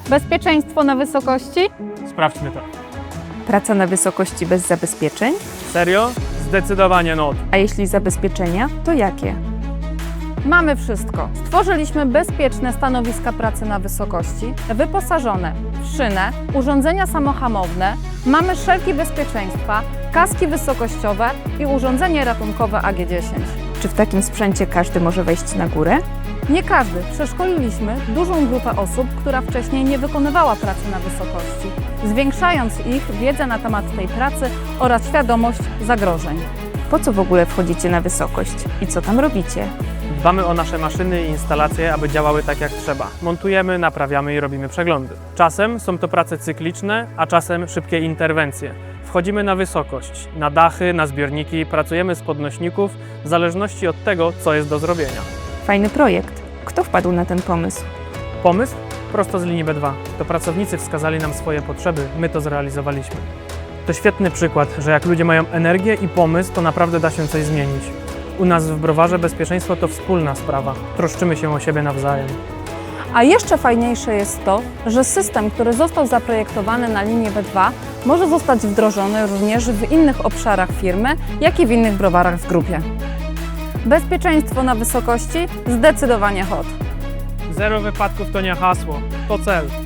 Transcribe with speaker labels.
Speaker 1: Bezpieczeństwo na wysokości?
Speaker 2: Sprawdźmy to.
Speaker 3: Praca na wysokości bez zabezpieczeń?
Speaker 2: Serio? Zdecydowanie not.
Speaker 3: A jeśli zabezpieczenia, to jakie?
Speaker 1: Mamy wszystko. Stworzyliśmy bezpieczne stanowiska pracy na wysokości, wyposażone w szynę, urządzenia samohamowne, mamy szelki bezpieczeństwa, kaski wysokościowe i urządzenie ratunkowe AG10.
Speaker 3: Czy w takim sprzęcie każdy może wejść na górę?
Speaker 1: Nie każdy. Przeszkoliliśmy dużą grupę osób, która wcześniej nie wykonywała pracy na wysokości, zwiększając ich wiedzę na temat tej pracy oraz świadomość zagrożeń.
Speaker 3: Po co w ogóle wchodzicie na wysokość i co tam robicie?
Speaker 2: Dbamy o nasze maszyny i instalacje, aby działały tak jak trzeba. Montujemy, naprawiamy i robimy przeglądy. Czasem są to prace cykliczne, a czasem szybkie interwencje. Wchodzimy na wysokość, na dachy, na zbiorniki, pracujemy z podnośników, w zależności od tego, co jest do zrobienia.
Speaker 3: Fajny projekt. Kto wpadł na ten pomysł?
Speaker 2: Pomysł? Prosto z linii B2. To pracownicy wskazali nam swoje potrzeby, my to zrealizowaliśmy. To świetny przykład, że jak ludzie mają energię i pomysł, to naprawdę da się coś zmienić. U nas w Browarze bezpieczeństwo to wspólna sprawa. Troszczymy się o siebie nawzajem.
Speaker 1: A jeszcze fajniejsze jest to, że system, który został zaprojektowany na linii B2, może zostać wdrożony również w innych obszarach firmy, jak i w innych browarach w grupie. Bezpieczeństwo na wysokości? Zdecydowanie HOT.
Speaker 2: Zero wypadków to nie hasło, to cel.